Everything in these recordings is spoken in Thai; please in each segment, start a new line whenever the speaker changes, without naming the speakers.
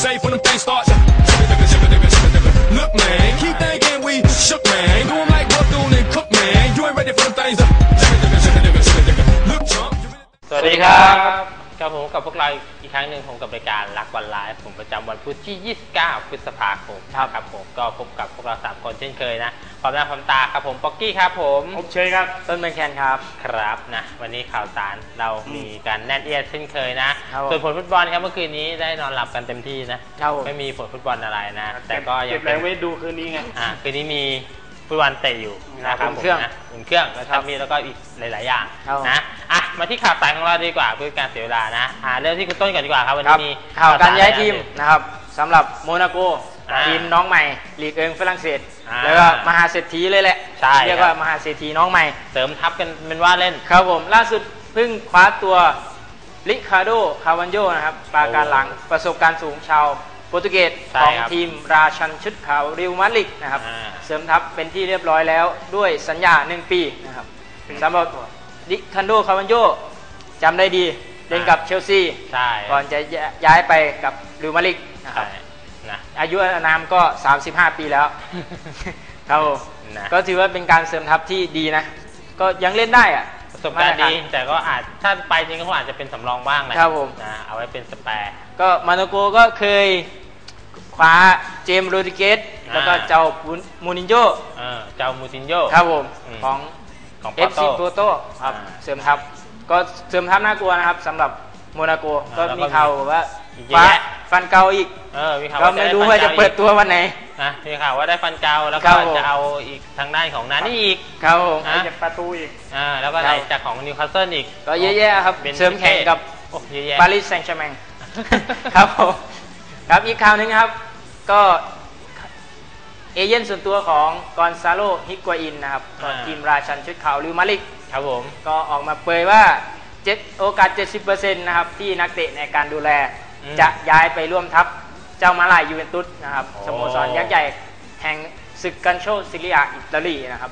safe when them things start. Look, man, keep thinking we shook, man. Do 'em like Bethune and Cook, man. You ain't ready for them things. Look, Trump.
สวัสดีครับกับผมกับพวกเราอีกครั้งหนึ่งผมกับรายการรักวันไลฟ์ผมประจำวันพุธที่ 29 พฤษภาคมครับผมก็พบกับพวกเรา3คนเช่นเคยนะพร้อมหน้าพร้อมตาครับผมป๊อกกี้ครับผม
อบเชยครับ
ต้นเมืองแคนครับครับนะวันนี้ข่าวสารเรามีการแน่นเอียดเช่นเคยนะส่วนผลฟุตบอลครับเมื่อคืนนี้ได้นอนหลับกันเต็มที่นะไม่มีผลฟุตบอลอะไรนะแต่ก็ยัง
เก็บแรงไว้ดูคืนนี้ไง
คืนนี้มีฟุตบอลเตะอยู่นะครับผมนะอุ่นเครื่องแล้วมีแล้วก็อีกหลายๆอย่างนะมาที่ข่าวสารของเราดีกว่าเพื่อการเสียเวลานะเริ่มที่คุณต้นก่อนดีกว่าครับวันนี้มี
ข่าวการย้ายทีมนะครับสำหรับโมนาโกทีมน้องใหม่ลีกฝรั่งเศสแล้วก็มหาเศรษฐีเลยแหละเรียกว่ามหาเศรษฐีน้องใหม่
เสริมทัพกันเป็นว่าเล่น
ครับผมล่าสุดเพิ่งคว้าตัวริคาร์โดคาวันโญนะครับปราการหลังประสบการณ์สูงชาวโปรตุเกสของทีมราชันชุดขาวริวมาดริดนะครับเสริมทัพเป็นที่เรียบร้อยแล้วด้วยสัญญา1 ปีนะครับสำหรับริคาร์โดคาวันโญจำได้ดีเล่นกับเชลซีก่อนจะย้ายไปกับริวมาดริดนะครับอายุอานามก็35 ปีแล้วครับก็ถือว่าเป็นการเสริมทัพที่ดีนะก็ยังเล่นได้อะ
ประสบการณ์ดีแต่ก็อาจถ้าไปจริงก็อาจจะเป็นสำรองบ้างแหละ
ครับผม
เอาไว้เป็นสแปร์
ก็มาโนโกก็เคยคว้าเจมส์โรดริเกสแล้วก็เจ้ามูนินโญ่
เจ้ามูตินโญ่
ครับผมของเอฟซีโปโตครับเสริมทัพก็เสริมทัพน่ากลัวนะครับสำหรับโมนาโกก็มีข่าวว่าคว้าฟันเกาอีกก็ไม่รู้ว่าจะเปิดตัววันไหน
นะมีข่าวว่าได้ฟันเกาแล้วก็จะเอาอีกทางด้านของนานี่อีก
ครับผม
จะประตูอีก
แล้วก็ไหนจากของนิวคาสเซิลอีก
ก็เยอะแยะครับเสริมแข่งกับปารีสแซงต์แชร์แมงครับผมครับอีกข่าวนึงครับก็เอเย่นส่วนตัวของกอนซาโลฮิกวาอินนะครับทีมราชันชุดขาวริวมาดริด
ครับผม
ก็ออกมาเผยว่าโอกาส 70% นะครับที่นักเตะในการดูแลจะย้ายไปร่วมทัพเจ้ามาลายยูเวนตุสนะครับสโมสรยักษ์ใหญ่แห่งศึกกันโชซิเลียอิตาลีนะครับ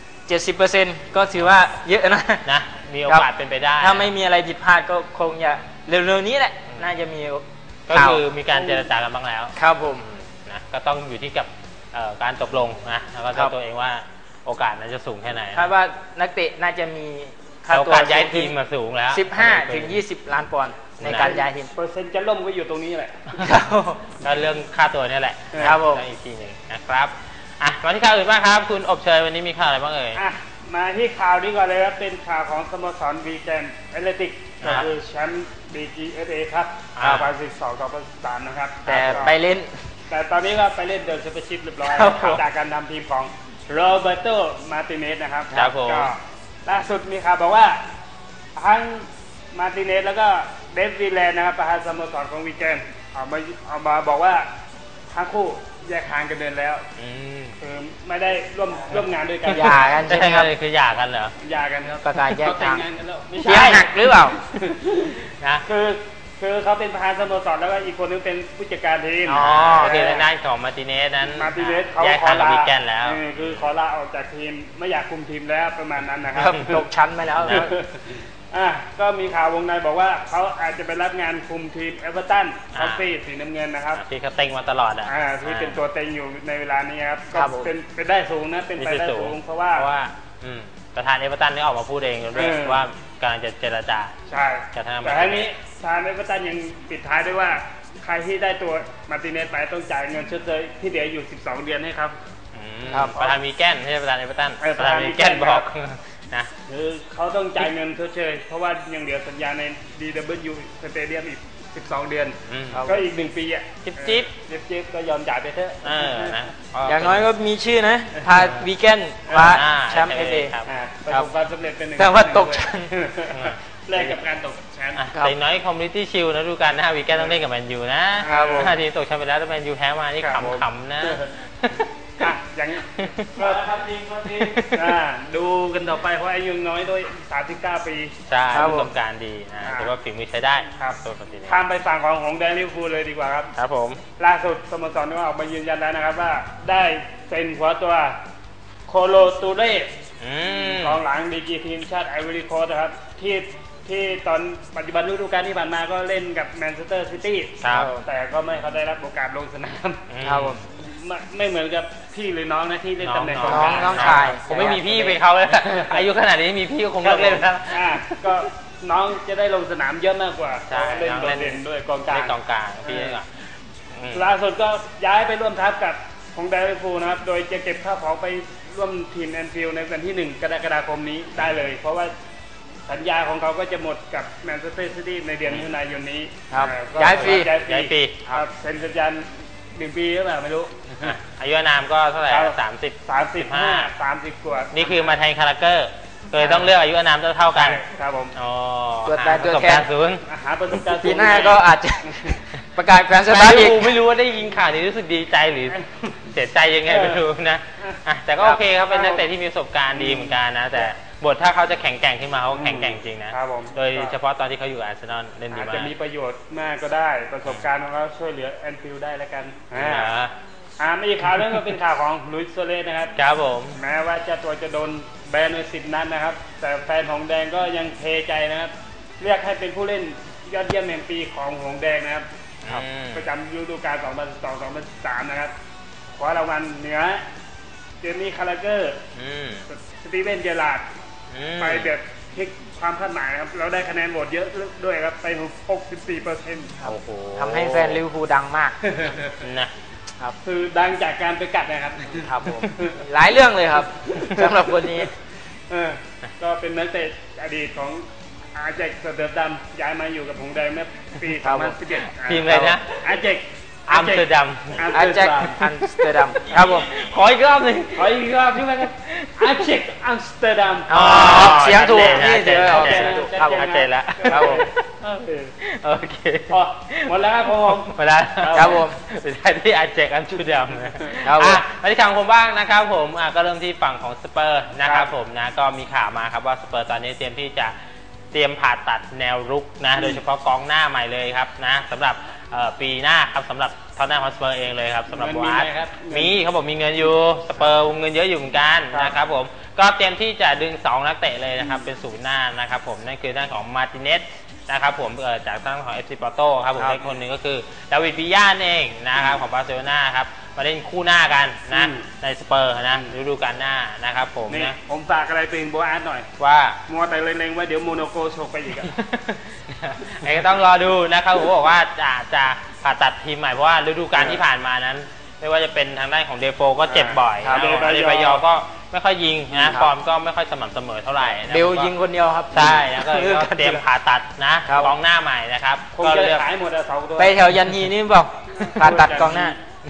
70% ก็ถือว่าเยอะนะ
มีโอกาสเป็นไปได้
ถ้าไม่มีอะไรผิดพลาดก็คงจะเร็วๆนี้แหละน่าจะมี
ก็คือมีการเจรจากันบ้างแล้ว
ครับผม
นะก็ต้องอยู่ที่กับการตกลงนะแล้วก็ตัวเองว่าโอกาสนั้นจะสูงแค่ไหน
คาดว่านักเตะน่าจะมี
ค่าตัวย้ายทีมมาสูงแล้ว
15 ถึง 20 ล้านปอนด์ในการย้ายทีม
เปอร์เซ็นต์จะล่มก็อยู่ตรงนี้แหละ
ก็เรื่องค่าตัวนี่แหละ
ครับผม
อีกทีหนึ่งนะครับมาที่ข่าวอื่นบ้างครับคุณอบเชยวันนี้มีข่าวอะไรบ้างเอ่ย
มาที่ข่าวนี้ก่อนเลยครับเป็นข่าวของสโมสรวีแกนแอตเลติกก็คือแชมป์ BGFA ครับ2012-2013นะครับ
แต่ไปเล่น
แต่ตอนนี้ก็ไปเล่นเดินแชมเปี้ยนชิพเรียบร้อยจากการนำทีมของโรเบโต มาร์ติเนสนะครับก็ล่าสุดมีข่าวบอกว่าทั้งมาร์ติเนสแล้วก็เดฟวีแลนด์นะครับประธานสโมสรของวีแกนเอามาบอกว่าทั้งคู่แยกทางกันเดินแล้วคือไม่ได้ร่วมงานด้วยกัน
หย่ากันใช่ไหมครับ
คือหย่ากันเหรอ
หย่ากันครับ
ประกาศแยกทาง
ไม่
ใช่หักหรือเปล่า
นะ
คือเขาเป็นประธานสโมสรแล้วก็อีกคนนึงเป็นผู้จัดการทีม
ก็คือในด้านของมาร์ติเนสนั้น
เขา
ขอลาวีแกนแล้ว
คือขอลาออกจากทีมไม่อยากคุมทีมแล้วประมาณนั้นนะครับ
ตกชั้นไปแล้ว
ก็มีข่าววงในบอกว่าเขาอาจจะไปรับงานคุมทีมเอเวอร์ตันคอฟฟี่สีน้ำเงินนะครับ
ที่เขาเต็งมาตลอด
ที่เป็นตัวเต็งอยู่ในเวลานี้ครับก็เป็นได้สูงนะเป็นไปได้สูงเพราะว่า
ประธานเอเวอร์ตันนี่ออกมาพูดเองด้วยว่ากำลังจะเจรจา
ใช่แต่ทีนี้ทางเอเวอร์ตันยังปิดท้ายด้วยว่าใครที่ได้ตัวมาร์ติเนสไปต้องจ่ายเงินชดเชยที่เหลืออยู่12 เดือนให้ครับ
ประธานวีแกนไม่ใช่ประธานเอเวอร์ตันประธานวีแกนบอกนะ
คือเขาต้องจ่ายเงินชดเชยเพราะว่ายังเหลือสัญญาใน DW สเตเดียมอีก12 เดือนก็อีก1 ปีจิ๊บก็ยอมจ่ายไปเถอะ
อย่างน้อยก็มีชื่อนะพาวีแกนคว้าแชมป์FA
ประสบความสำเร็จเป็นหนึ่ง
แต่ว่าตกชั้น
แลกกับการตกชั้น
แต่น้อยคอมมูนิตี้ชิลนะดูกันนะวีแกนต้องเล่นกับแมนยูนะทีตกชั้นไปแล้วแต่แมนยูแพ้มานี่ขำๆนะ
อย่างก็ทำทีมดูกันต่อไปเพราะอายุน้อยด้วย39 ปี
ใช่ประสบการณ์ดีนะถือว่าฝีมือใช้ได้
ครับข้ามไปฝั่งของแดนลิเวอร์พูลเลยดีกว่าครับ
ครับผม
ล่าสุดสโมสรก็ออกมายืนยันแล้วนะครับว่าได้เซ็นหัวตัวโคโลตูเรสกองหลังดีกรีทีมชาติไอวอรี่โคสต์นะครับที่ที่ตอนปัจจุบันฤดูกาลที่ผ่านมาก็เล่นกับแมนเชสเตอร์ซิตี้
ครับ
แต่ก็ไม่เขาได้รับโอกาสลงสนาม
ครับผม
ไม่เหมือนกับพี่หรือน้องนะที่เล่นตำแหน่งกองก
น้
ลา
องชาย
ผมไม่มีพี่ไปเขาเลย อายุขนาดนี้มีพี่ก็คงเลิกเล่นแล้ว
ก็น้องจะได้ลงสนามเยอะมากกว่า
ใช่
เล่น
น้อง
โด
เล่
ด
น
เด่นด้วยกองกลา
เล่
ง
นกองกลางพี่เล่นก่อนอืม
ล่าสุดก็ย้ายไปร่วมทัพกับของไดร์ฟูลนะครับ โดยจะเก็บข้าวของไปร่วมทีมแอนฟิลด์ในวันที่ 1 กรกฎาคมนี้ได้เลย เพราะว่าสัญญาของเขาก็จะหมดกับแมนเชสเตอร์ซิตี้ในเดือนมิถุนายนนี้
ครับ
ก็
ย้ายฟรี
ย้ายฟรี
ครับเซ็นสัญญา1 ปีหรือเปล่าไม่รู้
อ่ะอายุนามก็เท่าไหร่
ครับ
30
30 กว่า
นี่คือมาแทนคาราเกอร์เลยต้องเลือกอายุอานามเท่ากัน
ครับผม
อ๋อ
ตัวตายตัวแทน
ประสบการณ์ศูนย์
หาประสบการณ์สูง
ปีหน้าก็อาจจะ ประกาศแขวนส
แฟ
ตาร์
น
ท
ลิ
อี
เว
ก
อร์พูลไม่รู้ว่าได้ยินข่าวนี้รู้สึกดีใจหรือเสียใจยังไงไม่รู้นะอ่ะแต่ก็โอเคครับเป็นนักเตะที่มีประสบการณ์ดีเหมือนกันนะ แต่บทถ้าเขาจะแข็งแกร่งขึ้นมาเขาแข็งแกร่งจริงนะครับ
ผม
โดยเฉพาะตอนที่เขาอยู่อาร์เซนอลเล่นดี
อาจ
มา
จะ
ก
มีประโยชน์มากก็ได้ประสบการณ์ของเขาช่วยเหลือแอนฟิลด์ได้แล้วกัน ไม่อีกข่าวนึงก็เป็นข่าวของลุยส์โซเลสนะครับ
ครับผม
แม้ว่าเจ้าตัวจะโดนแบนไป10 นัดนะครับ แต่แฟนหงส์แดงก็ยังเทใจนะครับ เรียกให้เป็นผู้เล่นยอดเยี่ยมแห่งปีของหงส์แดงนะครับ ประจำฤดูกาล 2012-2013 นะครับคว้ารางวัลเหนือเจมี่คาราเกอร์
อืม
สตีเวนเจอราร์ด
อืม
ไปแบบพลิกความคาดหมายครับ เราได้คะแนนโหวตเยอะด้วยครับ ไป 64%
โอ้โห
ทำให้แฟนลิเวอร์พูลดังมาก
นะ
คือดังจากการไปกัดนะครับ
ครับผมหลายเรื่องเลยครับสำหรับคนนี้
ก็เป็นนักเตะอดีตของอาเจกสเตอร์ดัมย้ายมาอยู่กับหงส์แดงเมื่อปี
ครับผม
2011
ทีมอะไรนะ
อาเจก
อัมสเตอร์ดัม
อาแจ็คอัมสเตอร์ดัมครับผม
ขออีกรอบหนึ่ง
ขออีกรอบที่ว่ากันอาเจกอัมสเตอร์ดัม
อ๋อ
เสียงถูกนี่
ชัดเจน
เดี๋ยว
ชัดเจน
ครับผม
ชัดเจนแล้ว
ครับผม
โอเค
พอหมดแล้วครับผม
มาแล้ว
ครับผม
ไปได้ที่อาเจกอันชูดำนะครับ
ผม
มาที่ข่าวของผมบ้างนะครับผมก็เริ่มที่ฝั่งของสเปอร์นะครับผมนะก็มีข่าวมาครับว่าสเปอร์ตอนนี้เตรียมที่จะเตรียมผ่าตัดแนวรุกนะโดยเฉพาะกองหน้าใหม่เลยครับนะสำหรับปีหน้าครับสำหรับท็อตแนมฮอตสเปอร์เองเลยครับสำหรับ
เงินมี
วาร์
ไหมครับ
มีเขาบอกมีเงินอยู่สเปอร์เงินเยอะอยู่เหมือนกันนะครับผมก็เตรียมที่จะดึง2นักเตะเลยนะครับเป็นศูนย์หน้านะครับผมนั่นคือด้านของมาร์ติเนสนะครับผมจากทางของ FC Porto ครับผมอีกคนหนึ่งก็คือดาวิดปิยาเองนะครับของบาร์เซโลนาครับมาเล่นคู่หน้ากันนะในสเปอร์นะฤดูกาลหน้านะครับผม
นี่
นะ
ผมฝากอะไรเป็นโบอาร์ตหน่อย
ว่า
มัวแต่เล็งๆว่าเดี๋ยวโมโนโกโชกไปอีกอะ
ไอ้ก็ต้องรอดูนะครับผมบอกว่าจะผ่าตัดทีมใหม่เพราะว่าฤดูกาลที่ผ่านมานั้น ไม่ว่าจะเป็นทางด้านของเดโฟก็เจ็บบ่อย
ครับ
นะเดบายอก็ไม่ค่อยยิงนะฟอร์มก็ไม่ค่อยสม่ำเสมอเท่าไหร่นะ
เบลยิงคนเดียวครับ
ใช่แล้วก็เตรียมผ่าตัดนะครับ กองหน้าใหม่นะครับ
คง
ก็
จะ
เลือก
ขายหมดอะ2 ตัว
ไปแถวยันฮีนี่บอกผ่าตัดกองหน้า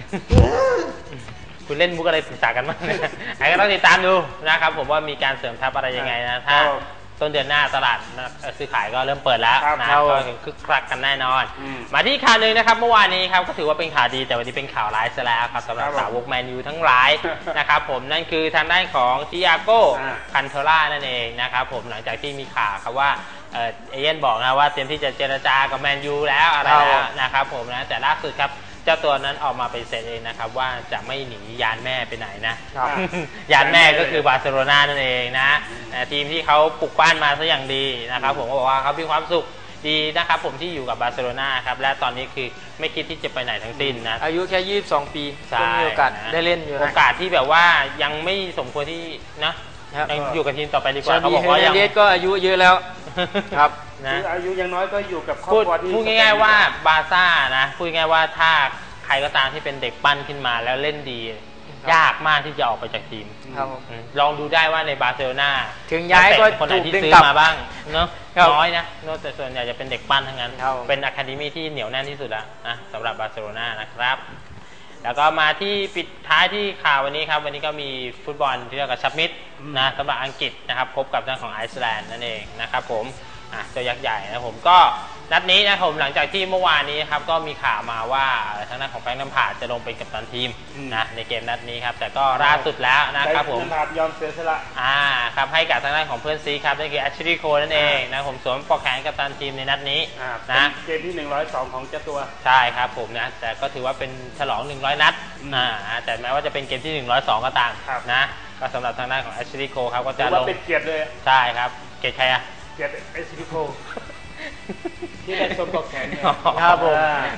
คุณเล่นมุกอะไรปรึกษากันบ้างเนี่ยไอ้ก็ต้องติดตามดูนะครับผมว่ามีการเสริมทัพอะไรยังไงนะถ้า
ครับ
ต้นเดือนหน้าตลาดซื้อขายก็เริ่มเปิดแล้ว
ครับ
นะครับ ก็คึกคักกันแน่นอน มาที่ข่าวหนึ่งนะครับเมื่อวานนี้ครับก็ถือว่าเป็นข่าวดีแต่วันนี้เป็นข่าวร้ายซะแล้วครับสำหรับ
ครับผม
สาวกแมนยูทั้งหลาย นะครับผมนั่นคือทางด้านของทิอาโก้ คันเทล่านั่นเองนะครับผมหลังจากที่มีข่าวครับว่าเอเย่นบอกนะว่าเตรียมที่จะเจรจากับแมนยูแล้วอะไร
ครับ
แล้วนะครับผมนะแต่ล่าสุดครับเจ้าตัวนั้นออกมาปฏิเสธเองนะครับว่าจะไม่หนียานแม่ไปไหนนะ
ครับ
ยานแม่ก็คือบาร์เซโลนานั่นเองนะทีมที่เขาปลุกปั้นมาซะอย่างดีนะครับผมก็บอกว่าเขามีความสุขดีนะครับผมที่อยู่กับบาร์เซโลนาครับและตอนนี้คือไม่คิดที่จะไปไหนทั้งสิ้นนะ
อายุแค่22 ปี
ใช่
ก็มีโอกาสได้เล่นอยู่
โอ
นะ
กาสที่แบบว่ายังไม่สมควรที่นะครับ ยังอยู่กับทีมต่อไปดีกว่า
ชา
เขา
บี
บอก
เฮ
ว่า
เน
ยัง
เดสก็อายุเยอะแล้วครับ
นะ
คืออายุยังน้อยก็อยู่กับครอบ
พูด
ครัวที่
พูดง่ายๆว่าบาร์ซ่านะพูดง่ายๆว่าถ้าใครก็ตามที่เป็นเด็กปั้นขึ้นมาแล้วเล่นดี ยากมากที่จะออกไปจากทีม
ครับผม
ลองดูได้ว่าในบาร์เซโลนา
ถึงย้ายก็
นัเตะคนไหนที่
ถูกดึง
ซื้อก
ลับ
มาบ้างเนาะ
ครับ
น้อยนะแต่ส่วนใหญ่จะเป็นเด็กปั้นทั้งนั้น
ครับ
เป็นอะคาเดมี่ที่เหนียวแน่นที่สุดแล้วนะสำหรับบาร์เซโลนานะครับ แล้วก็มาที่ปิดท้ายที่ข่าววันนี้ครับวันนี้ก็มีฟุตบอลที่เรียกว่าชับมิดนะสำหรับอังกฤษนะครับพบกับทางของไอซ์แลนด์นั่นเองนะครับผมเจ้ายักษ์ใหญ่นะผมก็นัดนี้นะครับผมหลังจากที่เมื่อวานนี้ครับก็มีข่าวมาว่าทางด้านของแฟรงค์ แลมพาร์ดจะลงเป็นกัปตันทีมนะในเกมนัดนี้ครับแต่ก็ล่าสุดแล้วนะครับผม
ได้ยอมเสียสละ
ครับให้กับทางด้านของเพื่อนซีครับนั่นคือแอชลีย์โคนั่นเองนะผมสวมปลอกแขนกัปตันทีมในนัดนี้
นะ
นะ
เกมที่102ของเจ้าตัว
ใช่ครับผมนะแต่ก็ถือว่าเป็นฉลอง100นัดแต่แม้ว่าจะเป็นเกมที่102ก็ตาม
ครับ
นะก็สำหรับทางด้านของแอชลีย์โคครับก็
ถื
จะ
อ
ล
ว่าง เป็นเกียรติเลย
ใช่ครับเกตใครอะ
เกียรติเอสพิโคที่ได้สมกับแขน
ครับผม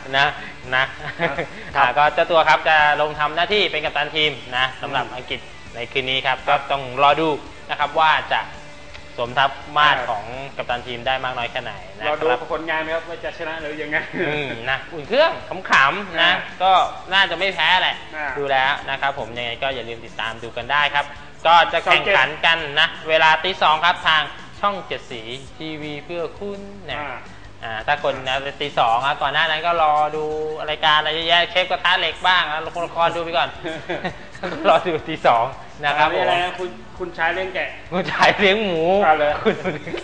นะครับก็เจ้าตัวครับจะลงทำหน้าที่เป็นกัปตันทีมนะสำหรับอังกฤษในคืนนี้ครับก็ต้องรอดูนะครับว่าจะสมทับมาตรของกัปตันทีมได้มากน้อยแค่ไหนนะรอ
ดูผลงานครับว่าจะชนะหรือยังไง
นะอุ่นเครื่องขำๆนะก็น่าจะไม่แพ้แหละดูแล้วนะครับผมยังไงก็อย่าลืมติดตามดูกันได้ครับก็จะแข่งขันกันนะเวลาตี 2ครับทางช่อง7สีทีวีเพื่อคุณนะถ้าคนนะตี 2ครับก่อนหน้านั้นก็รอดูรายการอะไรเยอะแยะเชฟกระทะเหล็กบ้างแล้วละครดูไปก่อนรอดูตี 2นะครับ
ผมอะไรนะคุณชายเลี้ยงแกะ
คุณชายเลี้ยงหมูคุณ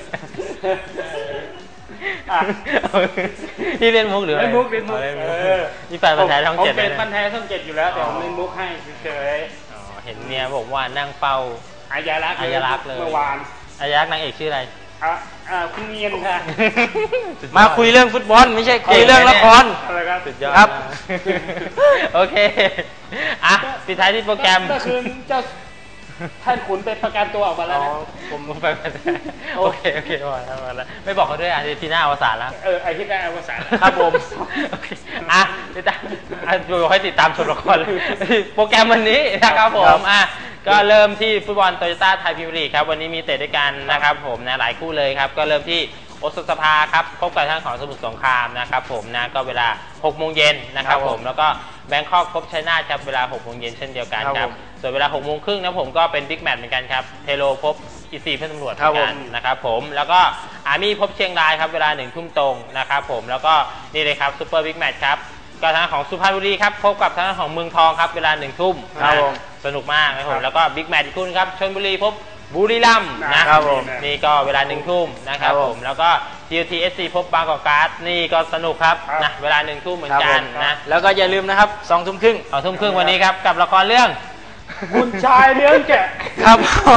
นี่เล่นมุกหรืออะไร
เล่นมุก
นี่แฟนพันธุ์แท้ช่อง 7
เป็นพันธุ์แท้ช่อง 7อยู่แล้วแต่ผมเล่นมุกให้เฉย
เห็นเมียบอกว่านั่งเฝ้า
อายารักษ์เลยเมื่อวาน
อายารักษ์นางเอกชื่ออะไร
คุณเมียนค่ะ
มาคุยเรื่องฟุตบอลไม่ใช่คุยเรื่องละคร
สุดยอดครับโอเคปิดท้ายที่โปรแกรม
ก็คือเจ้าท่านขุนไปประกันตัวออกมาแล้วนะ
ผมไปโอเคมาแล้วไม่บอกเขาด้วยอาทิตย์ที่หน้าอวสานแล้ว
อาทิตย์หน้าอวสาน
ครับผมติดตามดูให้ติดตามชมละครโปรแกรมวันนี้นะครับผมก็เริ่มที่ฟุตบอลโตโยต้าไทยพรีเมียร์ลีกครับวันนี้มีเตะด้วยกันนะครับผมนะหลายคู่เลยครับก็เริ่มที่โอสถสภาครับพบกับทางของสมุทรสงครามนะครับผมนะก็เวลา 6 โมงเย็นนะครับผมแล้วก็แบงคอกพบชัยนาทครับเวลา 6 โมงเย็นเช่นเดียวกันครับส่วนเวลา 6 โมงครึ่งนะผมก็เป็นบิ๊กแมตช์เหมือนกันครับเทโลพบอีซีเพื่อนตำรวจเหมือนกันนะครับผมแล้วก็อาร์มี่พบเชียงรายครับเวลา 1 ทุ่มตรงนะครับผมแล้วก็นี่เลยครับซูเปอร์บิ๊กแมตช์ครับก็ทางของสุพรรณบุรีครับพบกับทางของเมืองทองครับเวลา 1 ทุ่มสนุกมากนะครับผมแล้วก็บิ๊กแมตช์อีกคู่นึงครับชลบุรีพบบุรีรัมย์นะครับผมนี่ก็เวลา 1 ทุ่มนะครับผมแล้วก็ GTSC พบบางกอกการ์ดนี่ก็สนุกครับนะเวลา 1 ทุ่มเหมือนกันนะ
แล้วก็อย่าลืมนะครับ 2 ทุ่มครึ่ง
2 ทุ่มครึ่งวันนี้ครับกับละครเรื่อง
คุณชายเลี้ยงแกะ
ครับ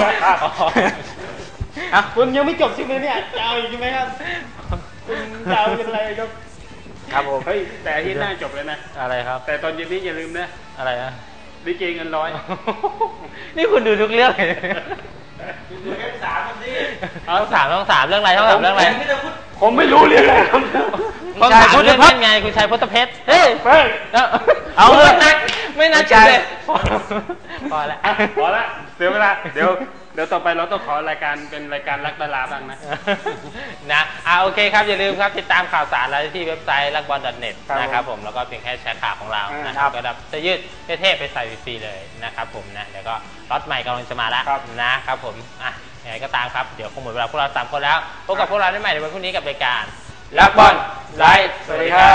คุณยังไม่จบใช่ไหมเนี่ยจะเอาอีกใช่ไหมครับคุณจะเอาเป็นอะไรครับผมเฮ้ยแต่ที่หน้าจบแล้วนะ
อะไรครับ
แต่ตอนเย็นนี้อย่าลืมนะ
อะไรนะ
ลิเกเงินร้อย
นี่คุณดูทุกเรื่อง
ดูแค่3มันดิ
ต้อง3เรื่องอะไรต้อง3เรื่องอะไร
ผมไม่รู้เรื่องอะไรครับ
คุณชายพุทธเพชรไงคุณชายพุทธเพชรเฮ้ยเอาเลยไม่นัดเลยพอ
แล้วเสียเวลาเดี๋ยวต่อไปเราต้องขอรายการเป็นรายการรักดาราบ้าง
นะโอเคครับอย่าลืมครับติดตามข่าวสารเราที่เว็บไซต์รักบอล.net นะครับผมแล้วก็เพียงแค่แชร์ข่าวของเรานะครับก็รับจะยืดเท่ๆไปใส่ฟรีเลยนะครับผมนะเดี๋ยวก็ล็อตใหม่กำลังจะมาแล้วนะครับผมยังไงก็ตามครับเดี๋ยวคงหมดเวลาพวกเรา3 คนแล้วพบกับพวกเราได้ใหม่ในวันพรุ่งนี้กับรายการ
รักบอลไลฟ์สวัสดีครับ